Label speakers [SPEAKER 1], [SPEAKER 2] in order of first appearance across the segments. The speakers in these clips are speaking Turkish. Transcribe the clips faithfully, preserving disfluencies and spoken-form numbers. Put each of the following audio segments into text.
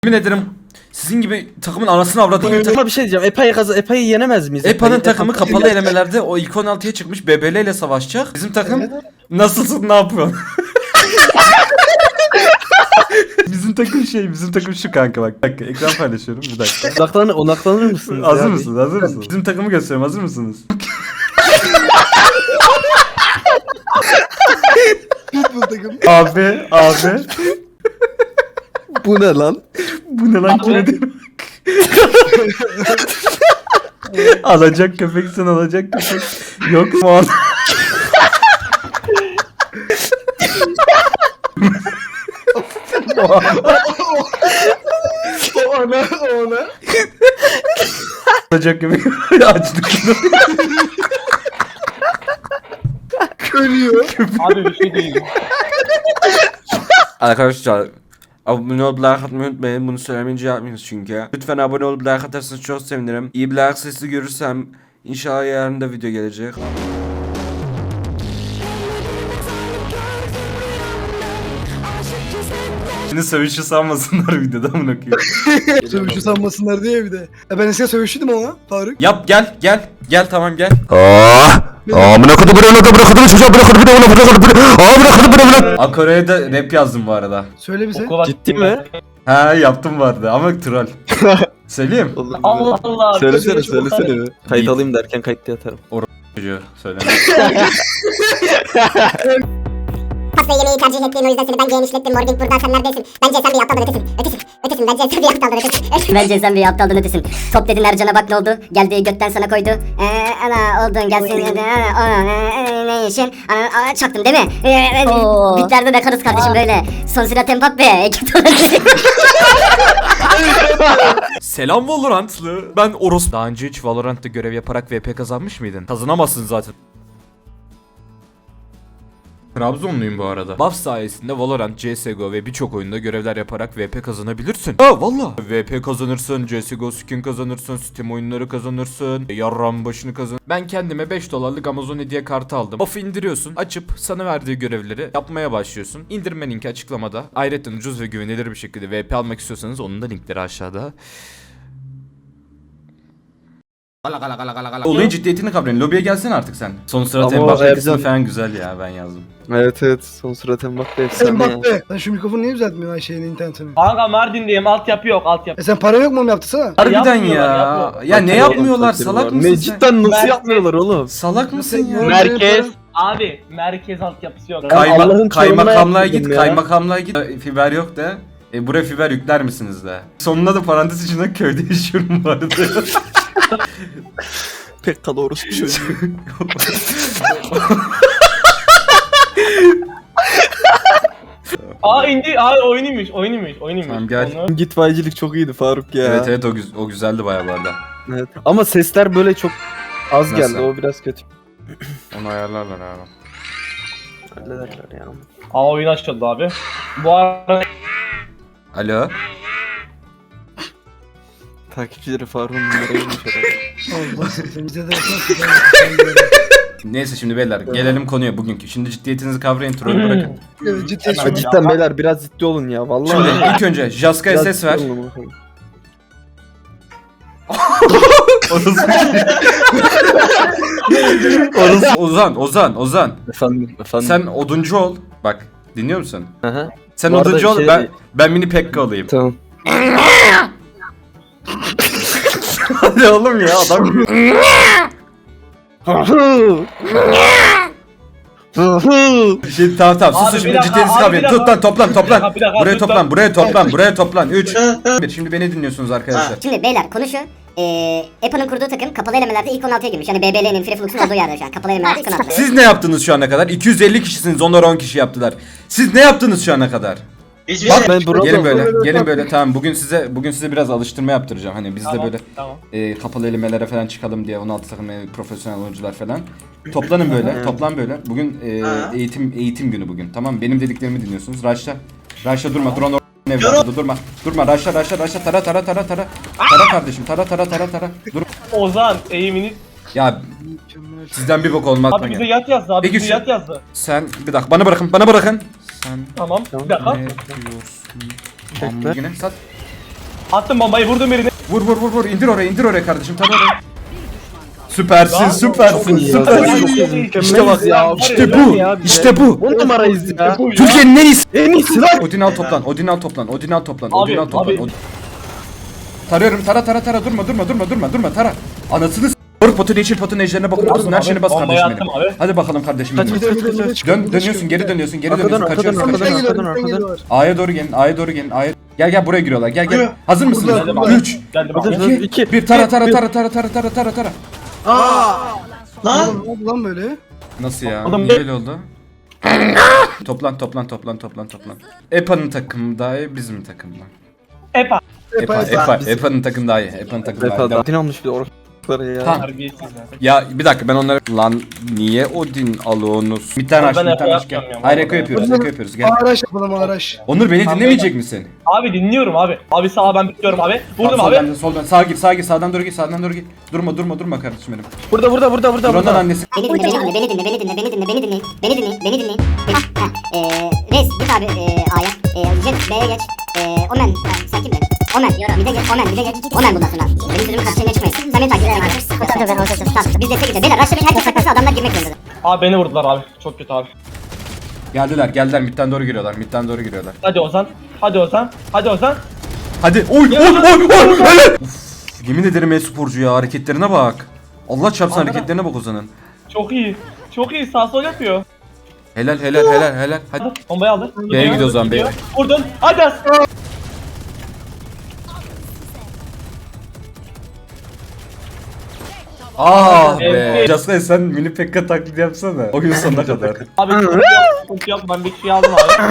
[SPEAKER 1] Yemin ederim sizin gibi takımın anasını avradını
[SPEAKER 2] Ama bir şey diyeceğim. Epa'yı kazı Epa'yı yenemez miyiz?
[SPEAKER 1] Epa'nın
[SPEAKER 2] Epa'yı-
[SPEAKER 1] takımı
[SPEAKER 2] Epa-
[SPEAKER 1] kapalı elemelerde o ilk on altıya çıkmış B B L ile savaşacak. Bizim takım nasılsın, ne yapıyorsun? Bizim takım şey, bizim takım şu kanka bak. Bir dakika, ekran paylaşıyorum bir dakika.
[SPEAKER 2] Odaklanır, odaklanır mısınız?
[SPEAKER 1] Hazır
[SPEAKER 2] ya?
[SPEAKER 1] mısınız? Hazır mısınız? Bizim takımı gösteriyorum. Hazır mısınız? Abi, abi.
[SPEAKER 2] Bu ne lan?
[SPEAKER 1] Bu ne lan kime Alacak köpeksin, alacak köpek. Yok mu an?
[SPEAKER 3] O ana, o ana.
[SPEAKER 1] Alacak köpek. Açtık.
[SPEAKER 3] Ölüyor.
[SPEAKER 4] Abi bir şey değil.
[SPEAKER 1] Arkadaşlar abone olup like atmayı unutmayın. Bunu söylemeyince yapmıyoruz çünkü. Lütfen abone olup like atarsanız çok sevinirim. İyi bir like sesi görürsem inşallah yarın da video gelecek. Şimdi sövüşü sanmasınlar videoda mı bakıyor?
[SPEAKER 3] Sövüşü sanmasınlar diye bir de. E ben eskiden sövüşüydüm ama Faruk.
[SPEAKER 1] Yap gel gel gel tamam gel.
[SPEAKER 5] Amına kodu buraya kodu buraya kodu çocuğa buraya kodu buraya kodu buraya kodu buraya amına kodu buraya buraya.
[SPEAKER 1] Akore'ye de rap yazdım bu arada.
[SPEAKER 3] Söyle bize.
[SPEAKER 4] Okula
[SPEAKER 2] Ciddi mi?
[SPEAKER 1] He yaptım bu arada ama troll. Söyleyeyim.
[SPEAKER 4] Allah Allah.
[SPEAKER 2] Söylesene söylesene. Kayıt alayım derken kayıtta yatarım.
[SPEAKER 1] Çocuğu söyle.
[SPEAKER 6] Pasta yemeği tercih ettiğin o yüzden seni ben genişlettim. Morgan buradan sen neredesin? Bence sen bir aptaldan ötesin. Ötesin. Ötesin. Bence sen bir aptaldan ötesin.
[SPEAKER 7] Bence sen bir aptaldan ötesin. Top dedin Ercan'a bak ne oldu? Geldi götten sana koydu. Eee ana oldun gelsin. Ne işin? Ana ana, çaktım değil mi? Eee, Bitlerde de karız kardeşim böyle. Son silah Mbappe.
[SPEAKER 1] Selam Valorantlı. Ben Oros. Daha önce hiç Valorant'ta görev yaparak V P kazanmış mıydın? Kazanamazsın zaten. Trabzonluyum bu arada. Buff sayesinde Valorant, C S G O ve birçok oyunda görevler yaparak V P kazanabilirsin. Ha valla. V P kazanırsın, C S G O skin kazanırsın, Steam oyunları kazanırsın, yarram başını kazan. Ben kendime beş dolarlık Amazon hediye kartı aldım. Buff'ı indiriyorsun, açıp sana verdiği görevleri yapmaya başlıyorsun. İndirme linki açıklamada. Ayrıca ucuz ve güvenilir bir şekilde V P almak istiyorsanız onun da linkleri aşağıda. Gala gala gala gala gala. Olayın ciddiyetini kavrayın. Lobiye gelsene artık sen. Son sırada
[SPEAKER 2] Ama
[SPEAKER 1] Mbappe
[SPEAKER 2] Ercan-
[SPEAKER 1] kısmı falan güzel ya, ben yazdım.
[SPEAKER 2] Evet evet son surat Mbappe efsane ya.
[SPEAKER 3] Mbappe. Sen şu mikrofonu niye düzeltmiyorsun Ayşe'nin internetini?
[SPEAKER 4] Kanka Mardin'deyim, altyapı yok, altyapı.
[SPEAKER 3] E sen para yok mu onu yaptırsana?
[SPEAKER 1] Harbiden
[SPEAKER 4] Yapmıyorlar,
[SPEAKER 1] ya.
[SPEAKER 4] yapmıyorlar.
[SPEAKER 1] Ya ne yapmıyorlar, salak mısın
[SPEAKER 2] Ne
[SPEAKER 1] sen?
[SPEAKER 2] cidden nasıl
[SPEAKER 4] Ben-
[SPEAKER 2] yapmıyorlar oğlum?
[SPEAKER 1] Salak mısın ya?
[SPEAKER 4] Merkez. Abi merkez altyapısı yok.
[SPEAKER 2] Kay-
[SPEAKER 1] Kayma
[SPEAKER 2] Allah'ın
[SPEAKER 1] kaymakamlığa
[SPEAKER 2] çorumuna
[SPEAKER 1] git,
[SPEAKER 2] yaptırdım ya.
[SPEAKER 1] kaymakamlığa git. E, Fiber yok de. E buraya fiber yükler misiniz de? Sonuna da parantez içinde köyde yaşıyorum bu arada.
[SPEAKER 2] Pek kalorus bir çocuk.
[SPEAKER 4] Aa indi, aa oyunuymuş, oyunuymuş, oyunuymuş.
[SPEAKER 1] Tamam, gel.
[SPEAKER 4] Onu-
[SPEAKER 2] Gitfaycılık çok iyiydi Faruk ya.
[SPEAKER 1] Evet evet o, güz- o güzeldi bayağı bu arada.
[SPEAKER 2] Evet. Ama sesler böyle çok az
[SPEAKER 1] Nasıl?
[SPEAKER 2] geldi o biraz kötü.
[SPEAKER 1] Onu ayarlarlar abi.
[SPEAKER 2] Hallederler ya.
[SPEAKER 4] Aa oyun açıldı abi. Bu arada
[SPEAKER 1] Alo.
[SPEAKER 2] Takipçileri Faruk'un numaraymış herhalde.
[SPEAKER 3] Allah sen bize de
[SPEAKER 1] Neyse şimdi beyler gelelim konuya bugünkü. Şimdi ciddiyetinizi kavrayın, trollü bırakın.
[SPEAKER 3] Evet ciddi
[SPEAKER 2] Ha,
[SPEAKER 3] söylüyorum.
[SPEAKER 2] cidden beyler biraz ciddi olun ya vallahi.
[SPEAKER 1] Şimdi ilk önce Jaska'ya
[SPEAKER 2] Biraz
[SPEAKER 1] ses ver.
[SPEAKER 2] ciddi olun bakalım.
[SPEAKER 1] Orası- Ozan, Ozan, Ozan.
[SPEAKER 2] Efendim efendim.
[SPEAKER 1] Sen oduncu ol. Bak, dinliyor musun?
[SPEAKER 2] Aha.
[SPEAKER 1] Sen
[SPEAKER 2] Bu arada
[SPEAKER 1] oduncu ol,
[SPEAKER 2] şey-
[SPEAKER 1] ben ben mini Pekka olayım.
[SPEAKER 2] Tamam.
[SPEAKER 1] Hadi oğlum ya, adam. Şimdi tamam tamam
[SPEAKER 4] Abi
[SPEAKER 1] susun
[SPEAKER 4] bir
[SPEAKER 1] şimdi
[SPEAKER 4] dakika,
[SPEAKER 1] ciddiyetinizi
[SPEAKER 4] abi
[SPEAKER 1] kavrayın.
[SPEAKER 4] bir dakika.
[SPEAKER 1] Toplan toplan toplan.
[SPEAKER 4] Bir dakika, bir dakika,
[SPEAKER 1] Buraya
[SPEAKER 4] lütfen.
[SPEAKER 1] toplan, buraya toplan, buraya toplan. üç. bir. Şimdi beni dinliyorsunuz arkadaşlar.
[SPEAKER 7] Şimdi beyler konu şu. Eee Epa'nın kurduğu takım kapalı elemelerde ilk on altıya girmiş. Yani B B L'nin, Free Flux'un olduğu yerde şu an. Kapalı elemelerde ilk on altı.
[SPEAKER 1] Siz ne yaptınız şu ana kadar? iki yüz elli kişisiniz, onlar on kişi yaptılar. Siz ne yaptınız şu ana kadar?
[SPEAKER 2] Bak ben burada
[SPEAKER 1] Gelin böyle, gelin böyle. Tamam, bugün size bugün size biraz alıştırma yaptıracağım. Hani biz de
[SPEAKER 4] Tamam,
[SPEAKER 1] böyle
[SPEAKER 4] tamam.
[SPEAKER 1] e, kapalı elemelere falan çıkalım diye on altı takım e, profesyonel oyuncular falan. Toplanın böyle, toplan böyle. Bugün e, eğitim eğitim günü bugün. Tamam mı? Benim dediklerimi dinliyorsunuz. Raşla. Raşla durma. Drone or- evladı durma. Durma. Raşla raşla raşla tara tara tara tara. Tara kardeşim. Tara tara tara tara. Dur.
[SPEAKER 4] Ozan eğimini.
[SPEAKER 1] Ya sizden bir bok olmaz.
[SPEAKER 4] Abi bize yat yazdı abi,
[SPEAKER 1] Peki
[SPEAKER 4] bize
[SPEAKER 1] şu-
[SPEAKER 4] yat yazdı.
[SPEAKER 1] Sen bir dakika bana bırakın. Bana bırakın. Sen
[SPEAKER 4] Tamam, bir dakika.
[SPEAKER 1] ne diyorsun? Hamburgine sat.
[SPEAKER 4] Attım bombayı, vurdum birini.
[SPEAKER 1] Vur vur vur vur indir oraya indir oraya kardeşim tar oraya. Süpersin
[SPEAKER 4] Ya,
[SPEAKER 1] süpersin
[SPEAKER 2] iyi ya.
[SPEAKER 1] süpersin.
[SPEAKER 2] İşte bak ya.
[SPEAKER 1] İşte bu işte bu.
[SPEAKER 2] On numarayız ya.
[SPEAKER 1] Türkiye'nin en iyisi.
[SPEAKER 2] En iyisi lan.
[SPEAKER 1] Odin al toplan Odin al toplan Odin al toplan
[SPEAKER 4] Abi,
[SPEAKER 1] Odin al toplan.
[SPEAKER 4] abi.
[SPEAKER 1] Odin- Tarıyorum tara tara tara durma durma durma durma durma tara. Anasını s***. Vur potun yeşil potun ejderine bakıyor musun? Her
[SPEAKER 4] Abi,
[SPEAKER 1] şeyini bas
[SPEAKER 4] bombayı
[SPEAKER 1] kardeşim
[SPEAKER 4] attım
[SPEAKER 1] benim.
[SPEAKER 4] abi.
[SPEAKER 1] Hadi bakalım kardeşim benim.
[SPEAKER 2] Kaç, kaç, kaç, kaç.
[SPEAKER 1] Dön dönüyorsun geri dönüyorsun geri
[SPEAKER 2] Arkadan,
[SPEAKER 1] dönüyorsun
[SPEAKER 2] arkadan,
[SPEAKER 1] kaçıyorsun.
[SPEAKER 2] arkadan.
[SPEAKER 3] Bizden geliyorlar,
[SPEAKER 2] arkadan,
[SPEAKER 3] bizden
[SPEAKER 2] arkadan.
[SPEAKER 3] geliyorlar.
[SPEAKER 1] A'ya doğru gelin A'ya doğru gelin A'ya. Gel gel buraya giriyorlar gel gel. Hazır mısınız?
[SPEAKER 3] Burada, burada.
[SPEAKER 1] üç
[SPEAKER 4] Geldi
[SPEAKER 2] Hadi,
[SPEAKER 4] bak.
[SPEAKER 2] hadi.
[SPEAKER 1] iki
[SPEAKER 2] İki,
[SPEAKER 1] bir tara
[SPEAKER 2] bir,
[SPEAKER 1] tara
[SPEAKER 2] bir.
[SPEAKER 1] tara tara tara tara tara tara.
[SPEAKER 3] Lan. Ne oldu lan böyle?
[SPEAKER 1] Nasıl ya?
[SPEAKER 4] Adam-
[SPEAKER 1] Niye öyle oldu? toplan toplan toplan toplan toplan. Epa'nın takımı daha iyi bizim takım mı?
[SPEAKER 4] Epa.
[SPEAKER 1] Epa
[SPEAKER 3] Epa,
[SPEAKER 1] Epa Epa'nın takımı daha iyi. Epa'nın takımı daha iyi.
[SPEAKER 2] Defada.
[SPEAKER 1] Devam.
[SPEAKER 2] Odin almış bir de orkları ya.
[SPEAKER 1] Tamam.
[SPEAKER 4] Terbiyesiz ya.
[SPEAKER 1] Ya bir dakika ben onlara lan niye Odin alıyorsunuz? Bir tane
[SPEAKER 4] Abi
[SPEAKER 1] aç
[SPEAKER 4] ben
[SPEAKER 1] bir tane
[SPEAKER 4] Eko
[SPEAKER 1] aç gel.
[SPEAKER 4] yapmıyorum ya,
[SPEAKER 1] Hayır
[SPEAKER 4] vallahi.
[SPEAKER 1] Eko yapıyoruz Eko yapıyoruz gel.
[SPEAKER 3] Araç yapalım araç.
[SPEAKER 1] Onur beni
[SPEAKER 4] Tamam,
[SPEAKER 1] dinlemeyecek misin?
[SPEAKER 4] Abi dinliyorum abi. Abi sağa ben bekliyorum abi. Vurdum
[SPEAKER 1] Tamam,
[SPEAKER 4] abi.
[SPEAKER 1] Soldan, soldan sağa gir sağa gir sağdan doğru git sağdan doğru git. Durma durma durma kardeşim benim.
[SPEAKER 2] Burada burada burada burada.
[SPEAKER 1] Duran'dan
[SPEAKER 2] burada.
[SPEAKER 1] annesi.
[SPEAKER 7] Beni dinle, beni dinle, beni dinle, beni dinle, beni dinle, beni dinle, beni dinle, beni dinle. Hah, hah. Eee, Reis git abi eee A'ya. Eee, Jet B'ye geç. Eee, Omen, ha, sen kimdin? Omen, Mid'e geç, Omen, Mid'e geç. Omen bundan sonra. Benim sözümün karşısına çıkmayın. Sen beni takip et. Tamam, tamam, tamam. Biz destek gideceğiz. Beyler, rush'ta herkes saklasın, adamlar girmek zorunda.
[SPEAKER 4] Abi beni vurdular abi. Çok kötü abi.
[SPEAKER 1] Geldiler geldiler midden doğru giriyorlar midden doğru giriyorlar.
[SPEAKER 4] Hadi Ozan. Hadi Ozan. Hadi Ozan.
[SPEAKER 1] Hadi oy oy oy oy öyle. Uf, yemin ederim e-sporcu ya hareketlerine bak. Allah çarpsın
[SPEAKER 4] Abi.
[SPEAKER 1] hareketlerine bak Ozan'ın.
[SPEAKER 4] Çok iyi. Çok iyi. Sağ sol yapıyor.
[SPEAKER 1] Helal helal helal helal. Hadi.
[SPEAKER 4] Hadi. Bombayı aldı.
[SPEAKER 1] B'ye gidiyor o zaman, B'ye.
[SPEAKER 4] Gidiyor. Vurdun. Hadi as.
[SPEAKER 1] Ah be.
[SPEAKER 4] Evet.
[SPEAKER 1] Jasper sen mini pekka taklidi yapsana. Oyun sonuna kadar.
[SPEAKER 4] Abi sıkıntı yok. Sıkıntı yok. Ben bir şey aldım abi.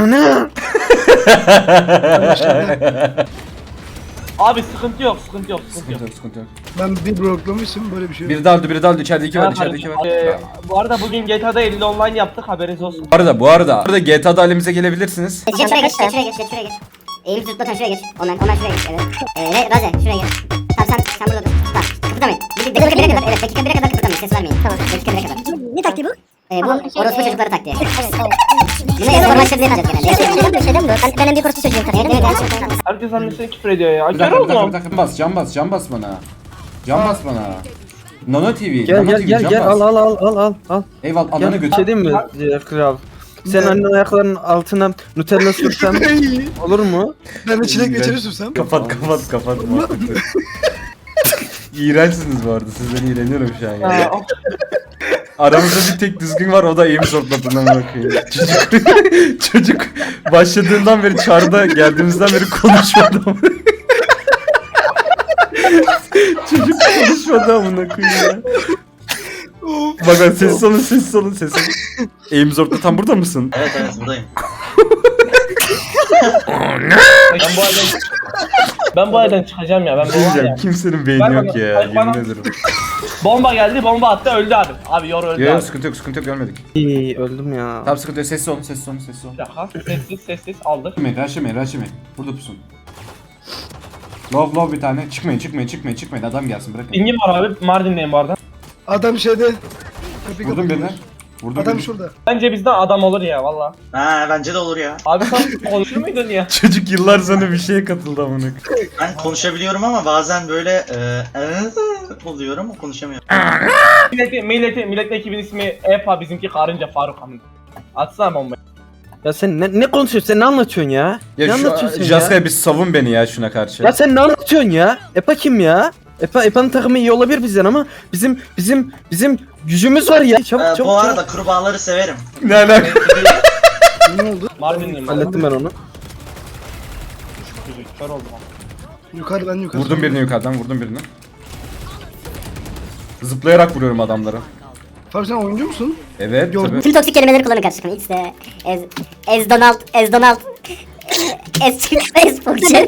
[SPEAKER 4] Abi sıkıntı yok. Sıkıntı yok. Sıkıntı yok.
[SPEAKER 1] Sıkıntı yok sıkıntı yok.
[SPEAKER 3] Ben bir bloklamışım böyle bir şey yok.
[SPEAKER 1] Biri daldı biri daldı içeride iki var içeride iki var.
[SPEAKER 4] Ee, bu arada bugün G T A'da elli online yaptık. Haberiniz olsun.
[SPEAKER 1] Bu arada bu arada burada G T A'da halimize gelebilirsiniz.
[SPEAKER 7] Jet şuraya geç, Jet şuraya geç, Jet şuraya geç. Eğim zıplatan şuraya geç. Omen, Omen şuraya geç, evet. Eee, Raze şuraya geç. Tamam sen, sen burada dur. Tamam, kıpırdamayın. Bir dakika bire kadar, evet dakika bire kadar kıpırdamayın, ses vermeyin. Tamam, dakika bire kadar.
[SPEAKER 6] Ne taktiği bu?
[SPEAKER 7] Ee, bu orospu çocukları taktiği. Bunu espor maçlarında yapacağız genelde.
[SPEAKER 6] Şeyden mi? Ben, ben en büyük orası çocuğum tabii.
[SPEAKER 7] Evet, evet.
[SPEAKER 4] Herkes annesine küfür ediyor ya.
[SPEAKER 1] Bir
[SPEAKER 4] Gel
[SPEAKER 1] dakika bir dakika bir
[SPEAKER 4] oğlum.
[SPEAKER 1] dakika bas can bas can bas bana. Can bas bana. Nano T V,
[SPEAKER 2] Gel
[SPEAKER 1] Nano
[SPEAKER 2] gel
[SPEAKER 1] T V
[SPEAKER 2] gel
[SPEAKER 1] can
[SPEAKER 2] gel
[SPEAKER 1] bas.
[SPEAKER 2] al al al al al al.
[SPEAKER 1] Eyvallah ananı
[SPEAKER 2] Gel bir
[SPEAKER 1] götür.
[SPEAKER 2] şey diyeyim mi ya, kral? Sen annen ayaklarının altına Nutella sürsem olur mu?
[SPEAKER 3] Ben de çilek reçeli sürsem.
[SPEAKER 1] Kapat kapat kapat. İğrençsiniz bu arada sizden iğreniyorum şu an ya.
[SPEAKER 4] Ya,
[SPEAKER 1] Aramızda bir tek düzgün var o da eğim sortlatından bakıyor. Çocuk, çocuk başladığından beri çarda geldiğimizden beri konuşmadı ama. Çocuk konuşmadı amına koyayım ya. Bak bak sessiz olun sessiz olun sessiz olun. Eğim zortlatan burada mısın?
[SPEAKER 8] Evet evet buradayım.
[SPEAKER 4] ben bu aydan ben bu aydan çıkacağım ya. Ben bu
[SPEAKER 1] Diyeceğim
[SPEAKER 4] aydan.
[SPEAKER 1] kimsenin beyni
[SPEAKER 4] Ver
[SPEAKER 1] yok
[SPEAKER 4] bana,
[SPEAKER 1] ya
[SPEAKER 4] ver
[SPEAKER 1] yemin
[SPEAKER 4] bana.
[SPEAKER 1] ederim.
[SPEAKER 4] Bomba geldi, bomba attı, öldü abi. Abi yor öldü
[SPEAKER 1] Yok
[SPEAKER 4] abi.
[SPEAKER 1] yok sıkıntı yok sıkıntı yok görmedik.
[SPEAKER 2] İyi öldüm ya.
[SPEAKER 1] Tamam sıkıntı yok sessiz olun sessiz olun sessiz olun.
[SPEAKER 4] Bir dakika. Sessiz sessiz aldık.
[SPEAKER 1] Raşimeyin raşimeyin raşimeyin. Burada pusun. Love love bir tane. Çıkmayın çıkmayın çıkmayın çıkmayın adam gelsin bırakın.
[SPEAKER 4] Pingim var abi. Mardin'deyim bu arada.
[SPEAKER 3] Adam şeyde. Kapıyı
[SPEAKER 1] Vurdum
[SPEAKER 3] kapatıyor.
[SPEAKER 1] birine. Vurdum
[SPEAKER 3] Adam
[SPEAKER 1] birine.
[SPEAKER 3] şurada.
[SPEAKER 4] Bence bizden adam olur ya valla.
[SPEAKER 8] Ha bence de olur ya.
[SPEAKER 4] Abi sen konuşur muydun ya?
[SPEAKER 1] Çocuk yıllar sonra bir şeye katıldı amına.
[SPEAKER 8] Ben konuşabiliyorum ama bazen böyle e, oluyorum konuşamıyorum.
[SPEAKER 4] Milleti, milleti, milletin ekibin ismi Epa, bizimki Karınca Faruk Hamdi. Atsana bombayı.
[SPEAKER 2] Ya sen ne, ne konuşuyorsun? Sen ne anlatıyorsun ya? ne
[SPEAKER 1] Ya
[SPEAKER 2] anlatıyorsun
[SPEAKER 1] şu
[SPEAKER 2] ya?
[SPEAKER 1] Jaska'ya bir savun beni ya şuna karşı.
[SPEAKER 2] Ya sen ne anlatıyorsun ya? Epa kim ya? Epa Epa'nın takımı iyi olabilir bizden ama bizim bizim bizim gücümüz var ya. Çabuk
[SPEAKER 8] E,
[SPEAKER 2] çabuk.
[SPEAKER 8] bu
[SPEAKER 2] çabuk.
[SPEAKER 8] arada kurbağaları severim.
[SPEAKER 1] Ne alaka?
[SPEAKER 3] Ne oldu?
[SPEAKER 4] Mardin'deyim ben.
[SPEAKER 2] Hallettim ben onu.
[SPEAKER 4] Kör oldum abi.
[SPEAKER 3] Yukarıdan yukarı.
[SPEAKER 1] Vurdum birini yukarıdan vurdum birini. Zıplayarak vuruyorum adamlara.
[SPEAKER 3] Faruk sen oyuncu musun?
[SPEAKER 1] Evet
[SPEAKER 3] Gördüm.
[SPEAKER 1] tabii.
[SPEAKER 7] Tüm toksik kelimeleri kullanın karşı takım. X de Ez Ez Donald, Ez Donald. Ez Ez Fokçer.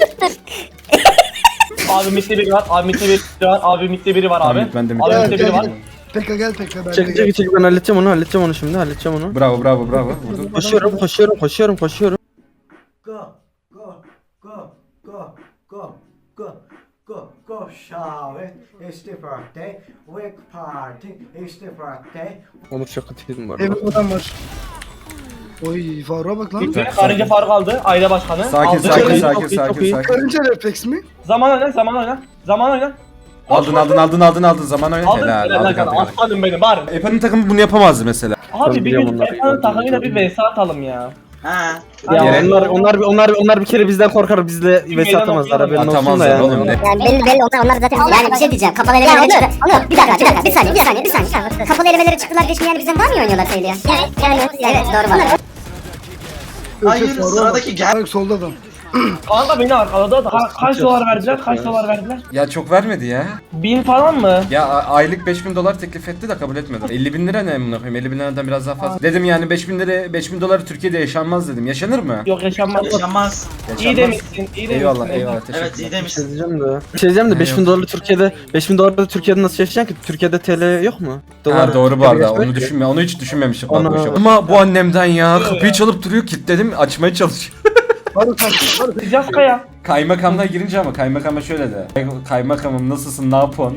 [SPEAKER 4] Abi mitte biri var, abi mitte biri var, abi mitte biri var abi.
[SPEAKER 1] Tamam, ben de
[SPEAKER 4] Abi
[SPEAKER 3] Gel
[SPEAKER 4] mitte biri
[SPEAKER 3] gel
[SPEAKER 4] var.
[SPEAKER 3] gel. Tekrar gel tekrar. Ben
[SPEAKER 2] Çek
[SPEAKER 3] de
[SPEAKER 2] çek çek ben halledeceğim onu halledeceğim onu şimdi halledeceğim onu.
[SPEAKER 1] Bravo bravo bravo. Vurdum.
[SPEAKER 2] Koşuyorum koşuyorum koşuyorum koşuyorum.
[SPEAKER 9] Go, go, go, go, go, go, go, go, Charlotte. It's the birthday. Wake party. It's the birthday.
[SPEAKER 2] Onur çok kötüydüm bu arada.
[SPEAKER 3] Evde adam var. Oy Faruk'a bak lan.
[SPEAKER 4] Bitti. Karınca Faruk aldı. Aile başkanı.
[SPEAKER 1] Sakin
[SPEAKER 4] aldı.
[SPEAKER 1] sakin
[SPEAKER 2] Çok iyi,
[SPEAKER 1] sakin
[SPEAKER 2] çok iyi,
[SPEAKER 1] sakin
[SPEAKER 2] çok iyi.
[SPEAKER 1] sakin.
[SPEAKER 3] Karınca refleks mi?
[SPEAKER 4] Zaman oyna, zaman oyna. Zaman oyna.
[SPEAKER 1] Aldın aldın aldın aldın aldın zaman oyna.
[SPEAKER 4] Aldın.
[SPEAKER 1] Helal
[SPEAKER 4] Helal
[SPEAKER 1] aldık
[SPEAKER 4] lan.
[SPEAKER 1] aldık. aldık.
[SPEAKER 4] Aslanım benim bari.
[SPEAKER 1] Epa'nın takımı bunu yapamazdı mesela.
[SPEAKER 4] Abi bir
[SPEAKER 2] biliyorum
[SPEAKER 4] gün
[SPEAKER 2] onları.
[SPEAKER 4] Epa'nın takımıyla bir vs atalım ya.
[SPEAKER 8] Ha.
[SPEAKER 2] Ya
[SPEAKER 1] Gerek-
[SPEAKER 2] onlar onlar onlar onlar bir kere bizden korkar, bizle vs atamazlar, haberin olsun da
[SPEAKER 1] Atamazlar
[SPEAKER 2] yani.
[SPEAKER 1] oğlum ne?
[SPEAKER 7] Yani belli belli onlar onlar zaten yani bir şey diyeceğim. Kapalı elemelere çıktı. Yok bir dakika bir dakika bir saniye bir saniye bir saniye. Kapalı elemelere çıktılar geçmiyor yani bizden daha mı iyi oynuyorlar sayılıyor? Evet yani evet doğru var.
[SPEAKER 8] Hayır
[SPEAKER 3] Faruk'a bak.
[SPEAKER 8] sıradaki gel.
[SPEAKER 3] Faruk solda adam.
[SPEAKER 4] Kanka beni arkaladı. Ka- kaç dolar verdiler? Kaç dolar verdiler?
[SPEAKER 1] Ya çok vermedi ya.
[SPEAKER 4] Bin falan mı?
[SPEAKER 1] Ya a- aylık beş bin dolar teklif etti de kabul etmedim. elli bin lira ne amına koyayım? elli bin liradan biraz daha fazla. Dedim yani beş bin lira beş bin dolar Türkiye'de yaşanmaz dedim. Yaşanır mı?
[SPEAKER 4] Yok yaşanmaz.
[SPEAKER 8] Yaşamaz.
[SPEAKER 4] İyi demişsin. iyi demişsin.
[SPEAKER 1] Eyvallah eyvallah teşekkür
[SPEAKER 8] Evet iyi
[SPEAKER 1] ederim.
[SPEAKER 2] Bir şey
[SPEAKER 8] demişsin.
[SPEAKER 2] diyeceğim de. Bir şey diyeceğim de beş bin dolarlı Türkiye'de beş bin dolarlı Türkiye'de nasıl yaşayacaksın ki? Türkiye'de T L yok mu?
[SPEAKER 1] Ha, doğru bu arada. Onu
[SPEAKER 2] geçmek-
[SPEAKER 1] düşünme. Onu hiç düşünmemişim. Bak
[SPEAKER 2] Ana.
[SPEAKER 1] boşa. Ama bu annemden ya kapıyı çalıp duruyor, kilitledim, açmaya çalışıyor.
[SPEAKER 3] Faruk kaç. Faruk.
[SPEAKER 4] Sıcak kaya.
[SPEAKER 1] Kaymakamla girince ama kaymakama şöyle de. Kaymakamım nasılsın, ne yapıyorsun?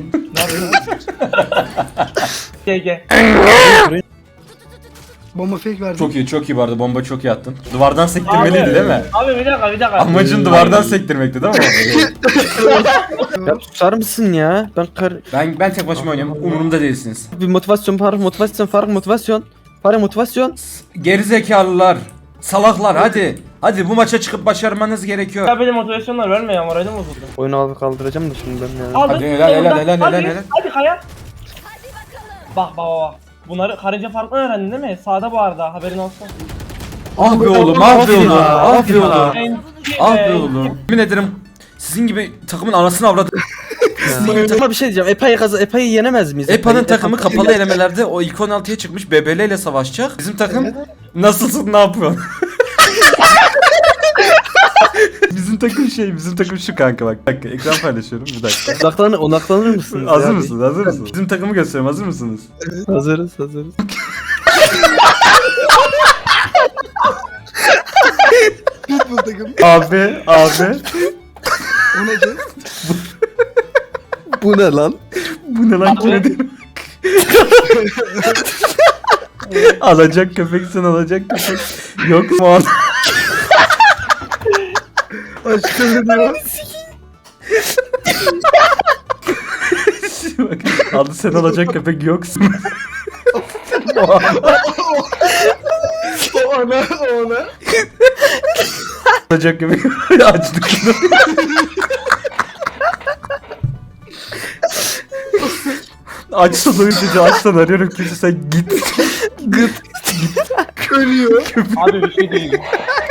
[SPEAKER 4] G G.
[SPEAKER 3] Bomba fake verdi.
[SPEAKER 1] Çok iyi, çok iyi bu arada. Bomba çok iyi attın. Duvardan sektirmeliydi değil mi?
[SPEAKER 4] Abi bir dakika bir dakika.
[SPEAKER 1] Amacın duvardan sektirmekti değil mi?
[SPEAKER 2] Ya susar mısın ya? Ben kar...
[SPEAKER 1] ben ben tek başıma oynuyorum. Umurumda değilsiniz.
[SPEAKER 2] Bir motivasyon Faruk, motivasyon Faruk, motivasyon. Faruk motivasyon.
[SPEAKER 1] Gerizekalılar, salaklar hadi. Hadi bu maça çıkıp başarmanız gerekiyor.
[SPEAKER 4] Ya benim motivasyonlar verme ya moralim bozuldu.
[SPEAKER 2] Oyunu alıp kaldıracağım da şimdi ben ya.
[SPEAKER 4] Aldın.
[SPEAKER 1] Hadi, helal, helal, helal,
[SPEAKER 4] hadi,
[SPEAKER 1] helal, helal.
[SPEAKER 4] Hadi kaya. Bak bak bak bak. Bunları karınca farklı öğrendin değil mi? Sağda bu arada haberin olsun.
[SPEAKER 1] Ah be oğlum, ah be oğlum, ah be oğlum.
[SPEAKER 4] En-
[SPEAKER 1] Ah be
[SPEAKER 4] en-
[SPEAKER 1] oğlum. Yemin ederim sizin gibi takımın anasını avradı.
[SPEAKER 2] Ama bir şey diyeceğim. Epa'yı kaz Epa'yı yenemez miyiz?
[SPEAKER 1] Epa'nın
[SPEAKER 2] Epa'yı-
[SPEAKER 1] takımı
[SPEAKER 2] Epa-
[SPEAKER 1] kapalı elemelerde o ilk on altıya çıkmış B B L ile savaşacak. Bizim takım nasılsın, ne yapıyorsun? Bizim takım şey, bizim takım şu kanka bak. Bir dakika, ekran paylaşıyorum bir dakika.
[SPEAKER 2] Odaklanır, odaklanır mısınız?
[SPEAKER 1] Hazır
[SPEAKER 2] ya?
[SPEAKER 1] mısınız? Hazır mısınız? Bizim takımı gösteriyorum. Hazır mısınız?
[SPEAKER 2] Hazırız, hazırız.
[SPEAKER 3] Pitbull takım.
[SPEAKER 1] Abi, abi.
[SPEAKER 3] O neydi?
[SPEAKER 2] Bu ne lan?
[SPEAKER 1] Bu ne lan, kime diyorum? Alacak köpeksin, alacak köpek. Yok mu orada?
[SPEAKER 3] Aşkım ne diyor?
[SPEAKER 1] Bak, aldı sen alacak köpek yoksun.
[SPEAKER 3] O ana o ana.
[SPEAKER 1] Alacak köpek açtık. Açsan uyutucu, açsan arıyorum kimse, sen git.
[SPEAKER 3] Ölüyor.
[SPEAKER 4] Abi bir şey değil.